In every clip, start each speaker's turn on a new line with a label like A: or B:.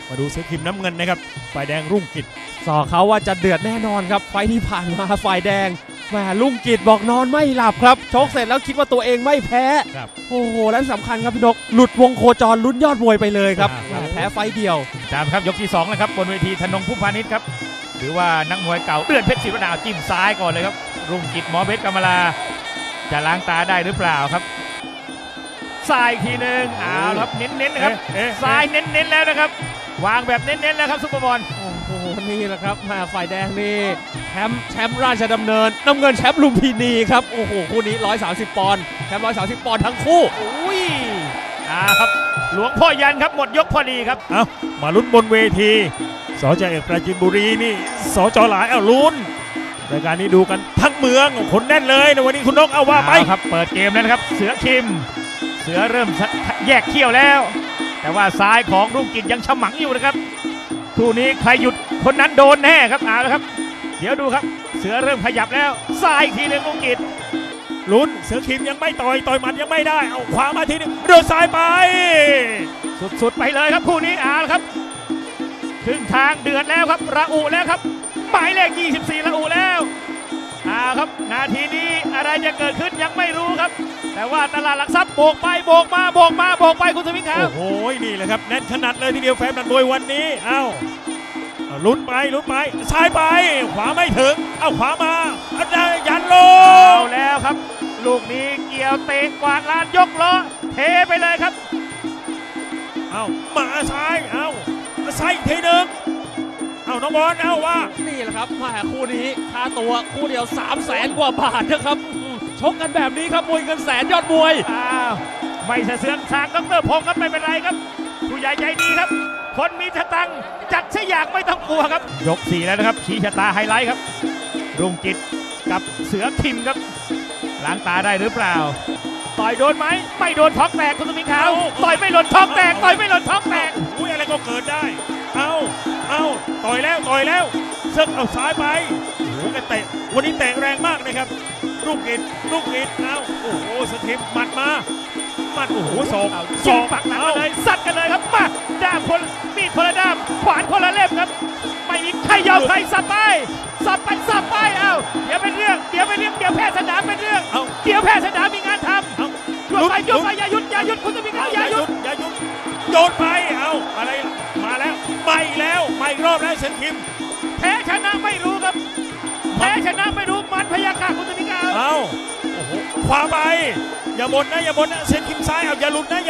A: มาดูเสือคิมน้ำเงินนะครับฝ่ายแดงรุ่งกิจ
B: สอเขาว่าจะเดือดแน่นอนครับไฟที่ผ่านมาฝ่ายแดงแหมรุ่งกิจบอกนอนไม่หลับครับชกเสร็จแล้วคิดว่าตัวเองไม่แพ้โอ้โหและสำคัญครับพี่นกหลุดวงโคจรลุ้นยอดมวยไปเลยครับแพ้ไฟเดียว
C: ตามครับยกที่2นะครับบนเวทีธนงผู้พาณิชย์ครับหรือว่านักมวยเก่าเตือนเพชรศิวดาวจิ้มซ้ายก่อนเลยครับรุ่งกิจหมอเพชรกำมะลาจะล้างตาได้หรือเปล่าครับซ้ายทีหนึ่งเอาครับเน้นๆนะครับซ้ายเน้นๆแล้วนะครับวางแบบเน้นๆแล้วครับซุปเปอร์บอล
B: โอ้โหนี่แหละครับฝ่ายแดงนี่แชมป์ราชดำเนินน้ำเงินแชมป์ลุมพินีครับโอ้โหคู่นี้130ปอนด์แชมป์130ปอนด์ทั้งคู่
C: อุ้ยครับหลวงพ่อยันครับหมดยกพอดีครับ
A: เอามาลุ้นบนเวทีสจเอกปราจีนบุรีนี่สจหลายลุ้นรายการนี้ดูกันทั้งเมืองคนแน่นเลยในวันนี้คุณนกเอาว่าไป
C: ครับเปิดเกมแล้วนะครับเสือคิมเสือเริ่มแยกเขี้ยวแล้วแต่ว่าซ้ายของรุ่งกิจยังฉมังอยู่นะครับคู่นี้ใครหยุดคนนั้นโดนแน่ครับเอาละครับเดี๋ยวดูครับเสือเริ่มขยับแล้วซ้ายอีกทีหนึ่งรุ่งกิจ
A: ลุ้นเสือคิมยังไม่ต่อยหมัดยังไม่ได้เอาขวามาทีนึงโดนซ้ายไป
C: สุดๆไปเลยครับคู่นี้เอาละครับครึ่งทางเดือดแล้วครับระอุแล้วครับหมายเลข24ระอุแล้วครับนาทีนี้อะไรจะเกิดขึ้นยังไม่รู้ครับแต่ว่าตลาดหลักทรัพย์โบกไปโบกมาโบกมาโบกไปคุณสมิงครับ
A: โอ้โหนี่แหละครับแน่นขนาดเลยทีเดียวแฟนนันมวยวันนี้ลุ้นไปซ้ายไปขวาไม่ถึงเอาขวามาอาจารย์ยันโล
C: เอาแล้วครับลูกนี้เกี่ยวเตะกวาดลานยกล้อเทไปเลยครับ
A: เอามาซ้ายเอาซ้ายอีกทีหนึ่งน้องบอลว่า
B: นี่แหละครับมาคู่นี้ค่าตัวคู่เดียว300,000 กว่าบาทนะครับชกกันแบบนี้ครับมวยเงินแสนยอดมวย
C: ไม่สะเสือนทางดร.พงศ์ครับไม่เป็นไรครับผู้ใหญ่ใจดีครับคนมีสตังค์จัดซะอยากไม่ต้องกลัวครับยก4แล้วนะครับชี้ชะตาไฮไลท์ครับรุ่งกิจกับเสือคิมครับล้างตาได้หรือเปล่าต่อยโดนไหมไม่โดนท้องแตกคุณสมิงขาวต่อยไม่หล่นท้องแตกต่อยไม่หล่นท้องแตก
A: อะไรก็เกิดได้ต่อยแล้วเซิร์ฟเอาซ้ายไปโอ้โหแกเตะวันนี้เตะแรงมากนะครับรุ่งกิจโอ้โหสถิมหมัดโอ้โหศอก
C: ปักหลังเลยซัดกันเลยครับมาด้ามคนมีดคนละด้ามขวานคนละเล่มครับไม่มีใครยอมใครสับไปเดี๋ยวเป็นเรื่องเดี๋ยวแพ้สนามเป็นเรื่องเดี๋ยวแพ้สนามมีงานทำหยุดไปอย่าหยุดคุณจะมีเขาอย่าหยุด
A: โยนไปอะไรมาแล้วไม่รอบแล้วเซนคิม
C: แพ้ชนะไม่รู้ครับแพ้ชนะไม่รู้มันพยาค่ะคุณจะมีเขา
A: โอ้โหขวาไปอย่าบ่นนะเซนคิมซ้ายอย่าหลุดนะ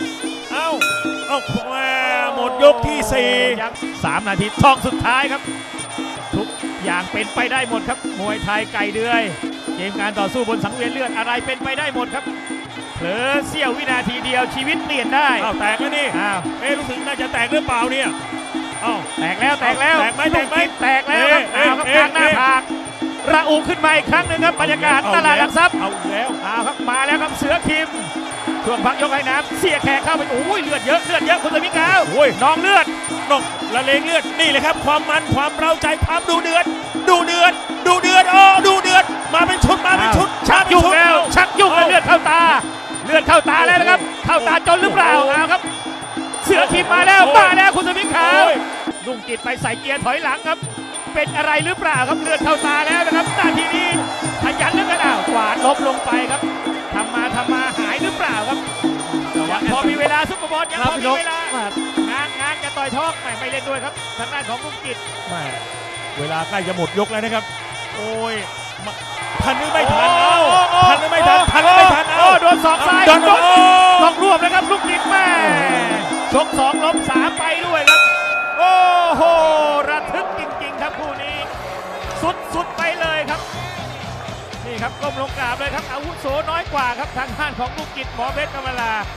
A: หมดยกที่
C: 3 นาทีทองสุดท้ายครับทุกอย่างเป็นไปได้หมดครับมวยไทยไก่เดือยเกมการต่อสู้บนสังเวียนเลือดอะไรเป็นไปได้หมดครับเผลอเสี้ยววินาทีเดียวชีวิตเปลี่ยนได้
A: แตกแล้วนี่รู้สึกน่าจะแตกหรือเปล่าเนี่ย
C: แตกแล้วแตกแล้วครับกลางหน้าผากระอุขึ้นมาอีกครั้งหนึ่งครับบรรยากาศตลาดหลักทรัพย์ครับมาแล้วครับเสือคิมช่วงพักยกให้น้ำเสียแขกเข้าไปโอ้ยเลือดเยอะคุณสมิงขาวน้องเลือด
A: ละเลงเลือดนี่แหละครับความมันความเร้าใจความดูเดือดมาเป็นชุด
C: ชักยุ่งแล้วเลือดเข้าตาแล้วนะครับเข้าตาจนหรือเปล่าครับเสือคิมมาแล้วคุณสมิงขาวรุ่งกิจไปใส่เกียร์ถอยหลังครับเป็นอะไรหรือเปล่าครับเลือดเข้าตาแล้วนะครับนาทีนี้ขยันเหลือเกินกวาดลบลงไปครับทำมาหายหรือเปล่าครับพอมีเวลาซุปเปอร์บอลยังพอมีเวลางานจะต่อยท้องไม่เล่นด้วยครับทางด้านของรุ่งกิจ
A: เวลาใกล้จะหมดยกแล้วนะครับโอ้ยทันหรือไม่ทัน
C: โดนศอกซ้ายโดนรวบนะครับรุ่งกิจแม่ชก2 ล้ม 3ไปด้วยครับโอ้โหระทึกจริงๆครับคู่นี้สุดไปเลยครับนี่ครับก้มลงกราบเลยครับอาวุโสน้อยกว่าครับทางด้านของรุ่งกิจหมอเพชรกำมะลา